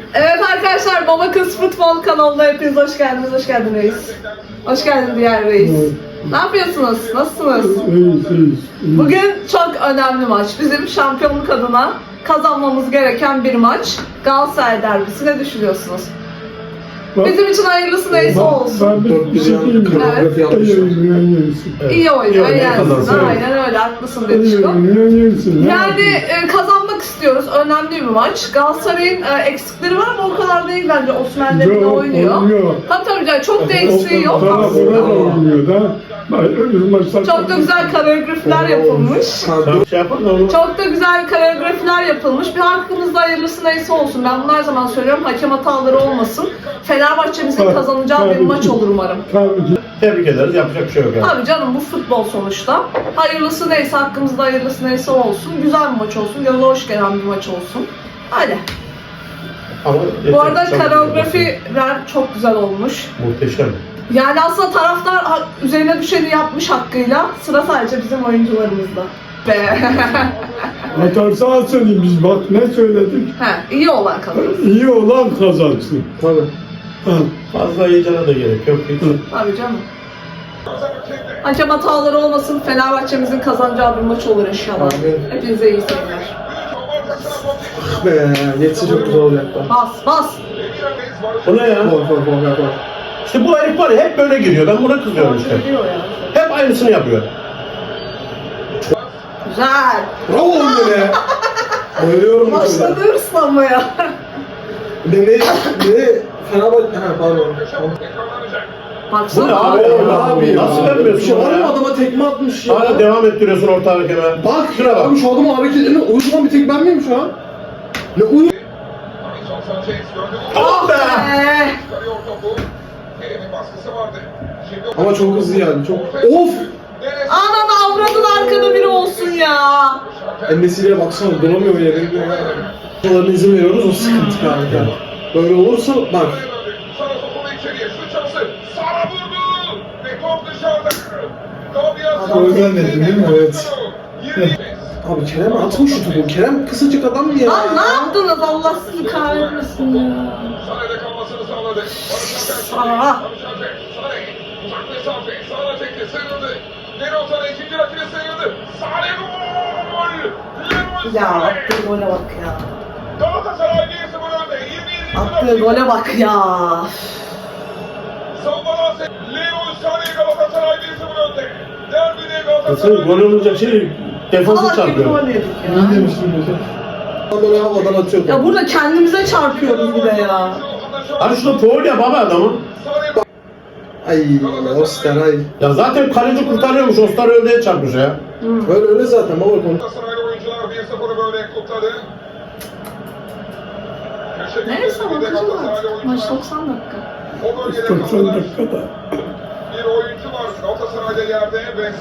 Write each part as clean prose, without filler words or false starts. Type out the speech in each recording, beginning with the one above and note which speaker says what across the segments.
Speaker 1: Evet arkadaşlar, Baba Kız Futbol kanalına hepiniz hoş geldiniz. Hoş geldin reis. Hoş geldin diğer reis. Ne yapıyorsunuz? Nasılsınız? Bugün çok önemli maç. Bizim şampiyonluk adına kazanmamız gereken bir maç. Galatasaray derbisi. Ne düşünüyorsunuz? Bizim için hayırlısı neyse olsun.
Speaker 2: Ben bir şey diyeyim mi?
Speaker 1: Evet. İyi oynuyor, yensin. Aynen öyle, haklısın Dedişko. Yani kazanmak istiyoruz. Önemli bir maç. Galatasaray'ın eksikleri var ama o kadar değil bence. Osimhen de oynuyor. Tabii canım, çok da eksiği yok aslında. Çok da güzel koreografiler yapılmış. Çok da güzel koreografiler yapılmış. Bir hakkımızda hayırlısı neyse olsun. Ben bunu her zaman söylüyorum. Hakem hataları olmasın. Fenerbahçe'mizin kazanacağı bir maç olur umarım.
Speaker 3: Tebrik ederiz. Yapacak bir şey yok yani.
Speaker 1: Tabii canım, bu futbol sonuçta. Hayırlısı neyse, hakkımızda hayırlısı neyse olsun. Güzel bir maç olsun. Göze hoş gelen bir maç olsun. Hadi.
Speaker 3: Ama
Speaker 1: Bu arada koreografiler çok güzel olmuş.
Speaker 3: muhteşem.
Speaker 1: Yani aslında taraftar üzerine düşeni yapmış hakkıyla. Sıra sadece bizim oyuncularımızda. Be.
Speaker 2: Hatarsa söyleyeyim biz bak ne söyledik.
Speaker 1: He, iyi olan kazansın.
Speaker 2: İyi olan kazansın.
Speaker 3: Tabii.
Speaker 2: Ha.
Speaker 3: Fazla heyecana da gerek yok hiç.
Speaker 1: Tabii canım. Hakem hataları olmasın. Fenerbahçe'mizin kazanacağı bir maç olur inşallah. Hepinize iyi seyirler.
Speaker 4: Be, geçse çok güzel olacak da.
Speaker 1: Bas.
Speaker 3: Bu ne ya?
Speaker 4: Gol.
Speaker 3: İşte bu herif var ya, hep böyle giriyor. Ben buna kızıyorum işte.
Speaker 1: Diyor ya.
Speaker 3: Hep aynısını yapıyor.
Speaker 1: Güzel.
Speaker 4: Bravo oğlum be. Bayılıyorum bu kadar.
Speaker 1: Başladı hırslanmaya.
Speaker 4: Ne Fenerbahçe... Ha pardon.
Speaker 3: Bu ne
Speaker 1: Baksana.
Speaker 3: abi?
Speaker 4: Abi ya.
Speaker 3: Nasıl
Speaker 4: Bir
Speaker 3: vermiyorsun
Speaker 4: şey var
Speaker 3: bana
Speaker 4: mı,
Speaker 3: ya?
Speaker 4: adama tekme atmış ya.
Speaker 3: Hala devam ettiriyorsun orta hakeme.
Speaker 4: Bak
Speaker 3: Şuna bak.
Speaker 4: abi, şu adamın hareketlerini uyuşturan bir tek ben miyim şu an? Ne uyu...
Speaker 3: Ah be!
Speaker 4: Ama çok hızlı yani, çok... Of!
Speaker 1: Ananı avradın, arkada biri olsun ya.
Speaker 4: Ennesiyle baksana, duramıyor yerinde ya. Bunların izin veriyoruz, o sıkıntı kanka. Böyle olursa bak.
Speaker 2: Gol vermedin değil mi?
Speaker 4: Evet. Abi Kerem atma şu topu. Kerem kısacık adam ya.
Speaker 1: Lan ne yaptınız, Allah sizi kahretmesin ya. Aa. Ya attığı gole bak ya. Attığı gole bak ya.
Speaker 3: Nasıl gol olunca şey defansı
Speaker 1: Allah gibi
Speaker 3: çarpıyor.
Speaker 1: gol yedik
Speaker 2: Ne
Speaker 1: ya.
Speaker 2: demiştin mesela?
Speaker 4: Böyle havadan atıyor.
Speaker 1: Ya burada kendimize çarpıyoruz bir de ya.
Speaker 3: Hani şurada foul ya baba adamı.
Speaker 4: Ay Oster ay.
Speaker 3: Ya zaten kaleci kurtarıyormuş, Ostar öldüğe çarpmış ya.
Speaker 4: Öyle zaten baba konu.
Speaker 1: Neyse bakacağız artık. Maç 90 dakika.
Speaker 2: 90 dakikada.
Speaker 5: Bir oyuncu var Galatasaray'da yerde ve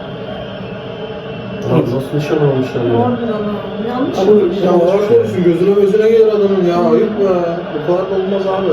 Speaker 3: Abi nasıl nişan almışlar ya?
Speaker 1: Harbiden ha. Yanlış
Speaker 4: Abi
Speaker 1: olmuş.
Speaker 4: ya Allah korusun, gözüne gelir adamın ya. Ayıp be. Bu kadar da olmaz abi.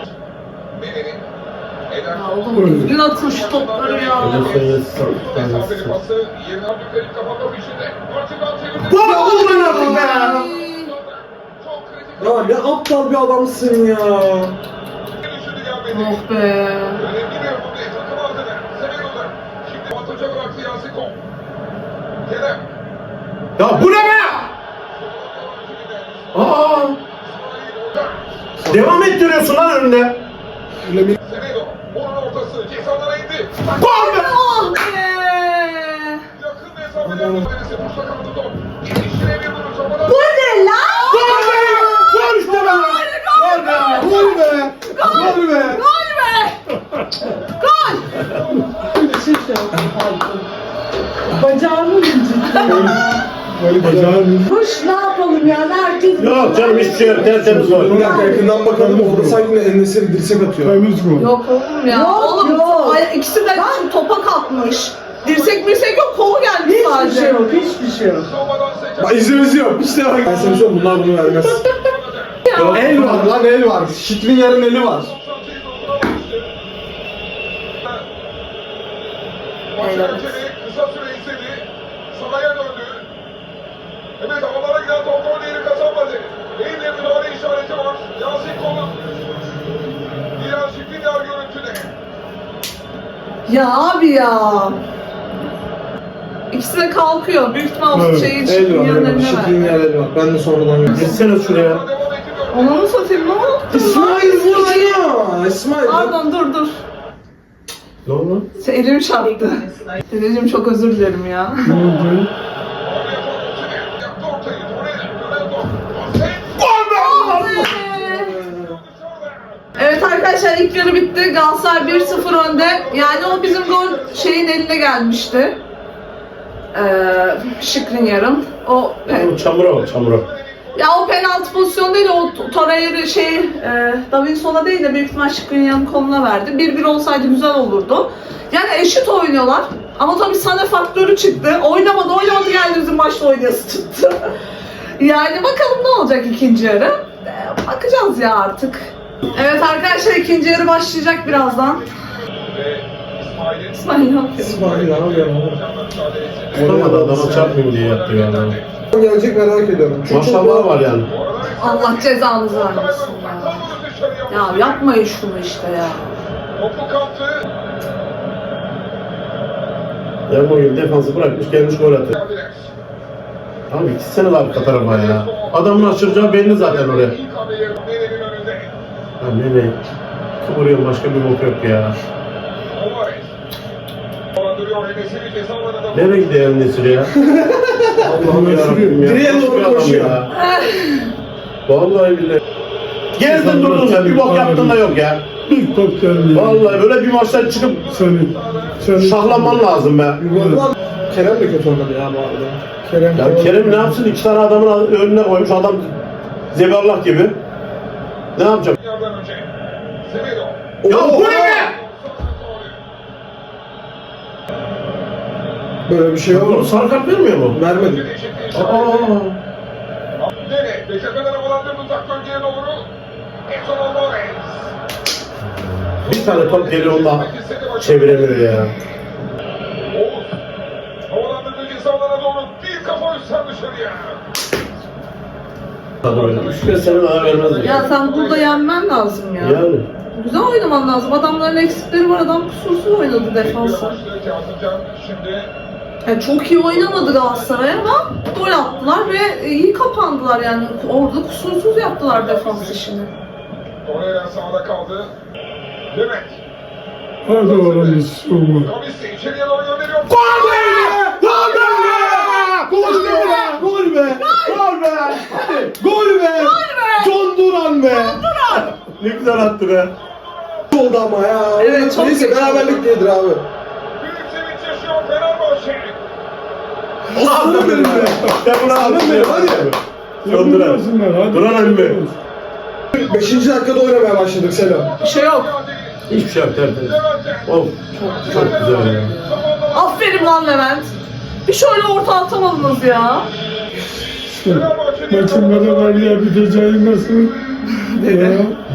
Speaker 1: Ya oğlum düzgün atın şu topları ya.
Speaker 5: mesafeli pası yerine Abdülkerim kapamak içinde. Portugal çevirdi.
Speaker 3: Gol oldu artık be!
Speaker 5: Çok kritik
Speaker 4: Ya ne aptal bir adamsın ya.
Speaker 5: düşündü gelmedi.
Speaker 1: Oh be.
Speaker 5: Önemli bir hamle takım adına. Seviyorlar. Şimdi ataca bıraktı Yasin Kol. Kerem.
Speaker 3: Ya bu ne be? Aa! Devam ettiriyorsun lan önünde.
Speaker 5: Semedo. Onun ortası. Cezalara indi.
Speaker 3: Gol be!
Speaker 1: Oh be.
Speaker 5: Yakın mesafeler mücadelesi. Boşta kaldı top. İşine bir vuruş. Topadan.
Speaker 1: Bu ne lan?
Speaker 3: Gol be! Gol işte be! Gol be!
Speaker 4: Gol be. Gol be.
Speaker 1: Gol be. Gol.
Speaker 6: Bacağımı incittim.
Speaker 2: Bacağın
Speaker 6: Kuş ne yapalım yani, herkes...
Speaker 3: Yok canım, hiçbir şey yok. Tertemiz gol.
Speaker 4: Bir dakika yakından bakalım, orada sanki Enes'e dirsek atıyor.
Speaker 2: temiz gol.
Speaker 1: Yok oğlum ya.
Speaker 6: Yok,
Speaker 1: Oğlum
Speaker 6: yok.
Speaker 1: ikisi de topa kalkmış. Dirsek yok, kolu gelmiş
Speaker 6: Hiçbir
Speaker 1: sadece.
Speaker 6: şey yok, hiçbir şey yok.
Speaker 5: Savunmadan seçen.
Speaker 4: Bak izlemesi yok. İşte bak. Ben sana söyleyeyim, bunlar bunu vermez. El var lan, el var. Şiklin yarın eli var.
Speaker 5: Başakşehir'i kısa süre izledi. Sahaya döndü. Evet, havalara giden top gol değeri kazanmadı. Eline müdahale işareti var. Yasin
Speaker 1: Ya abi ya. İkisi de kalkıyor. Büyük ihtimal
Speaker 2: Evet.
Speaker 1: şeyi
Speaker 4: El
Speaker 1: çıkıyor
Speaker 4: var, el var.
Speaker 1: yanına
Speaker 4: Şıkkın
Speaker 1: ver.
Speaker 4: yer el var. Ben de sonradan gördüm.
Speaker 3: Gitsene şuraya.
Speaker 5: Devam ettiriyor.
Speaker 1: Onu mu satayım? Ne oldu?
Speaker 4: İsmail vur ya. İsmail.
Speaker 1: Pardon dur.
Speaker 3: Ne oldu?
Speaker 1: Elim çarptı. Dedeciğim çok özür dilerim ya.
Speaker 2: Ne oldu?
Speaker 5: Oraya Torreira. Yaptı ortayı. Torreira. Ronaldo.
Speaker 1: Evet arkadaşlar ilk yarı bitti. Galatasaray 1-0 önde. Yani o bizim gol şeyin eline gelmişti. Skriniar'ın. O
Speaker 3: Çamura bak çamura.
Speaker 1: ya o penaltı pozisyonu değil, o Torreira Davinson'a değil de büyük ihtimal Skriniar'ın koluna verdi. 1-1 olsaydı güzel olurdu. Yani eşit oynuyorlar. Ama tabii Sané faktörü çıktı. Oynamadı geldi bizim maçta oynayası tuttu. Yani bakalım ne olacak ikinci yarı. Bakacağız ya artık. Evet arkadaşlar ikinci yarı başlayacak birazdan.
Speaker 5: Ve İsmail'in
Speaker 1: İsmail ne yapıyor?
Speaker 4: İsmail abi ya.
Speaker 3: Tutamadı adama çarpmayayım diye yaptı yani.
Speaker 4: Gelecek merak ediyorum. Çünkü
Speaker 3: Maşallah var yani.
Speaker 1: Allah cezanızı vermesin ya. Ya yapmayın şunu işte ya.
Speaker 5: Topu kaptı.
Speaker 3: Ermoğlu defansı bırakmış gelmiş gol atıyor.
Speaker 5: Geldiler.
Speaker 3: Abi gitsene arka tarafa ya. Adamın aşıracağı belli zaten oraya.
Speaker 5: İlk hamleyi Nene'nin önünde.
Speaker 3: Ya ne kıvırıyorum başka bir bok yok ya.
Speaker 5: Alvarez. Dolandırıyor Enes'i ceza alanında.
Speaker 3: Nereye gidiyor Nesir ya? Allah'ım yarabbim ya.
Speaker 4: Direğe
Speaker 3: Nasıl
Speaker 4: doğru
Speaker 3: bir adam
Speaker 4: koşuyor.
Speaker 3: ya? Vallahi billahi. Gezdin durdun sen bir bok yaptın da yok ya.
Speaker 2: Bir top geldi.
Speaker 3: Vallahi böyle bir maçtan çıkıp
Speaker 2: Seni
Speaker 3: şahlanman lazım be.
Speaker 4: Vallahi Kerem de kötü oynadı ya bu arada. Kerem,
Speaker 3: Ya Kerem ne yapsın? İki tane adamın önüne koymuş adam zeballah gibi. Ne yapacak?
Speaker 5: Yardan önce. Semedo.
Speaker 3: Ya bu ne be?
Speaker 4: Böyle bir şey
Speaker 3: Bunu
Speaker 4: yok.
Speaker 3: sarı kart vermiyor mu?
Speaker 4: Vermedi.
Speaker 5: Nene. Beşiktaş'tan havalandırdı uzak bölgeye doğru. Edson Alvarez.
Speaker 3: Bir tane top geliyor ondan çeviremiyor ya.
Speaker 5: Oğuz. Havalandırdı ceza alanına doğru. Bir kafa üstten dışarıya.
Speaker 3: Tabii öyle. Üç kez seni bana vermez
Speaker 1: Ya sen burada yenmen lazım ya.
Speaker 3: Yani.
Speaker 1: Güzel oynaman lazım. Adamların eksikleri var. Adam kusursuz oynadı defansa.
Speaker 5: Kazımcan şimdi
Speaker 1: Yani çok iyi oynamadı Galatasaray ama gol attılar ve iyi kapandılar yani. Orada kusursuz yaptılar defans işini.
Speaker 5: Torreira sağda kaldı. Levent.
Speaker 2: hadi oğlum sorma.
Speaker 5: Kavissi içeriye doğru gönderiyor.
Speaker 3: Gol be! Gol be! Gol be! Gol be! Gol be! Gol be! John Duran be! Ne güzel attı be!
Speaker 4: Oldu ama ya.
Speaker 1: Evet, çok
Speaker 4: Neyse
Speaker 1: kötü.
Speaker 4: beraberlik değildir abi.
Speaker 5: Büyük sevinç yaşıyor Fenerbahçe.
Speaker 4: Aslanım benim be.
Speaker 3: Ben bunu
Speaker 4: Aslanım benim hadi.
Speaker 3: John Duran.
Speaker 2: Hadi.
Speaker 3: Duran emmi.
Speaker 4: 5. dakikada oynamaya başladık Selam.
Speaker 1: Bir şey yok.
Speaker 3: Hiçbir şey yok tertemiz. Of, çok güzel ya.
Speaker 1: Aferin lan Levent. Bir şöyle orta atamadınız ya.
Speaker 2: Maçın beraberliğe biteceği nasıl? Ya.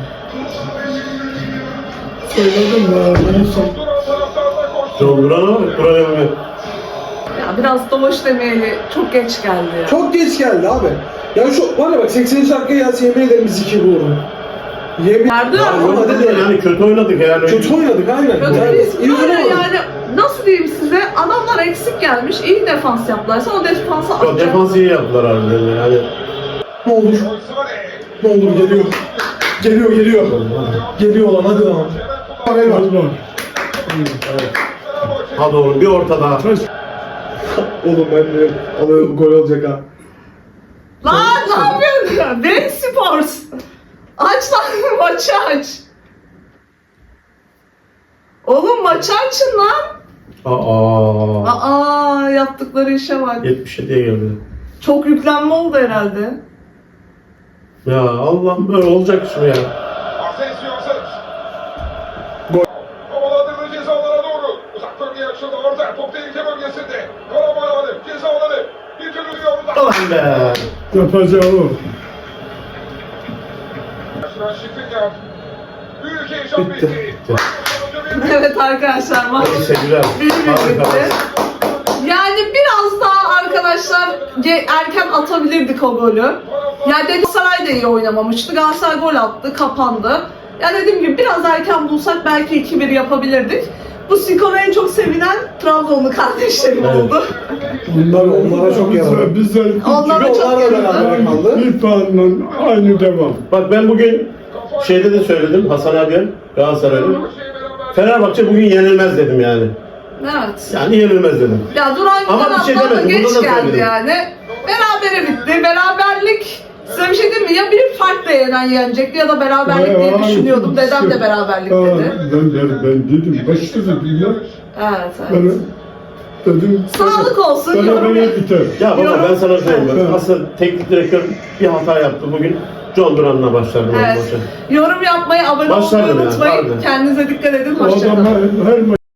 Speaker 2: Söyledim ya.
Speaker 5: Duran taraftarda koştu.
Speaker 3: John Duran'a bak, Duran emmi.
Speaker 1: Ya biraz doğuş demeyeli çok geç geldi ya.
Speaker 4: Çok geç geldi abi. Ya şu var ya bak 80. dakikaya gelse yemin ederim biz 2 vurdu. Yemin
Speaker 1: Nerede?
Speaker 3: Ya
Speaker 4: Ama
Speaker 3: oynadık
Speaker 4: dedi-
Speaker 3: yani kötü oynadık yani.
Speaker 4: Kötü oynadık aynen.
Speaker 1: Kötü
Speaker 4: Yani
Speaker 1: biz
Speaker 4: iyi
Speaker 1: böyle
Speaker 4: oynamadık.
Speaker 1: yani nasıl diyeyim size, adamlar eksik gelmiş, iyi defans yaptılar. Sen o defansı
Speaker 3: Yok,
Speaker 1: atacaksın.
Speaker 3: defans iyi yaptılar harbiden yani.
Speaker 4: Ne olur.
Speaker 5: Sane.
Speaker 4: Ne olur geliyor. Geliyor. Geliyor lan hadi lan. Haber var.
Speaker 2: Hadi bak.
Speaker 3: Hadi oğlum bir orta daha.
Speaker 2: Kaç
Speaker 4: Oğlum ben de alıyorum gol olacak ha.
Speaker 1: Lan ne yapıyorsun? Beyin Sports. Aç lan maçı aç. Oğlum maçı açın lan.
Speaker 3: Aa.
Speaker 1: Yaptıkları işe bak.
Speaker 3: 77'ye geldi.
Speaker 1: Çok yüklenme oldu herhalde.
Speaker 3: Ya Allah'ım böyle olacak şu ya.
Speaker 5: Asensio hazır. Havalandırdı ceza alanına doğru. Uzak bölgeye açıldı orta. Top tehlike bölgesinde. Karaboy alanı. Ceza alanı. Bir türlü diyor burada.
Speaker 3: Ulan be.
Speaker 2: yapacağı o.
Speaker 5: Yaşanan Şikrinyar. Büyük heyecan bitti.
Speaker 1: Evet arkadaşlar maç
Speaker 3: Neyse güzel. Harika.
Speaker 1: yani biraz daha arkadaşlar erken atabilirdik o golü. Yani Galatasaray da iyi oynamamıştı. Galatasaray gol attı, kapandı. Ya dediğim gibi biraz erken bulsak belki 2-1 yapabilirdik. Bu skora en çok sevinen Trabzonlu kardeşlerim
Speaker 3: Evet.
Speaker 1: oldu.
Speaker 3: Onlara çok yaradı.
Speaker 2: Bize
Speaker 1: Onlara
Speaker 3: Çünkü
Speaker 1: çok
Speaker 3: onlarla beraber
Speaker 1: yaradı.
Speaker 3: kaldı.
Speaker 2: bir puanla aynı devam.
Speaker 3: Bak ben bugün şeyde de söyledim Hasan abiye, Galatasaray'da. Fenerbahçe bugün yenilmez dedim yani.
Speaker 1: Evet.
Speaker 3: Yani yenilmez dedim.
Speaker 1: Ya Duran
Speaker 3: Ama
Speaker 1: Güler
Speaker 3: bir şey
Speaker 1: abla da
Speaker 3: demedim,
Speaker 1: geç
Speaker 3: burada da
Speaker 1: geldi
Speaker 3: söyledim.
Speaker 1: yani. Berabere bitti. Beraberlik size bir şey diyeyim mi? Ya bir farkla yenecekti ya da beraberlik diye düşünüyordum. Dedem de beraberlik dedi.
Speaker 2: Ben dedim, başta dedim ya.
Speaker 1: Evet,
Speaker 2: Ben
Speaker 1: evet.
Speaker 2: dedim.
Speaker 1: Sağlık olsun.
Speaker 2: Berabere biter.
Speaker 3: Ya baba ben sana söyleyeyim.
Speaker 2: Evet.
Speaker 3: Aslında teknik direktör bir hata yaptı bugün. John Duran'la başlardı
Speaker 1: Evet.
Speaker 3: maça.
Speaker 1: Yorum yapmayı, abone olmayı
Speaker 3: Başlardım yani,
Speaker 1: unutmayın.
Speaker 3: harbiden.
Speaker 1: Kendinize dikkat edin.
Speaker 2: O
Speaker 1: Hoşçakalın.
Speaker 2: adamlar her maç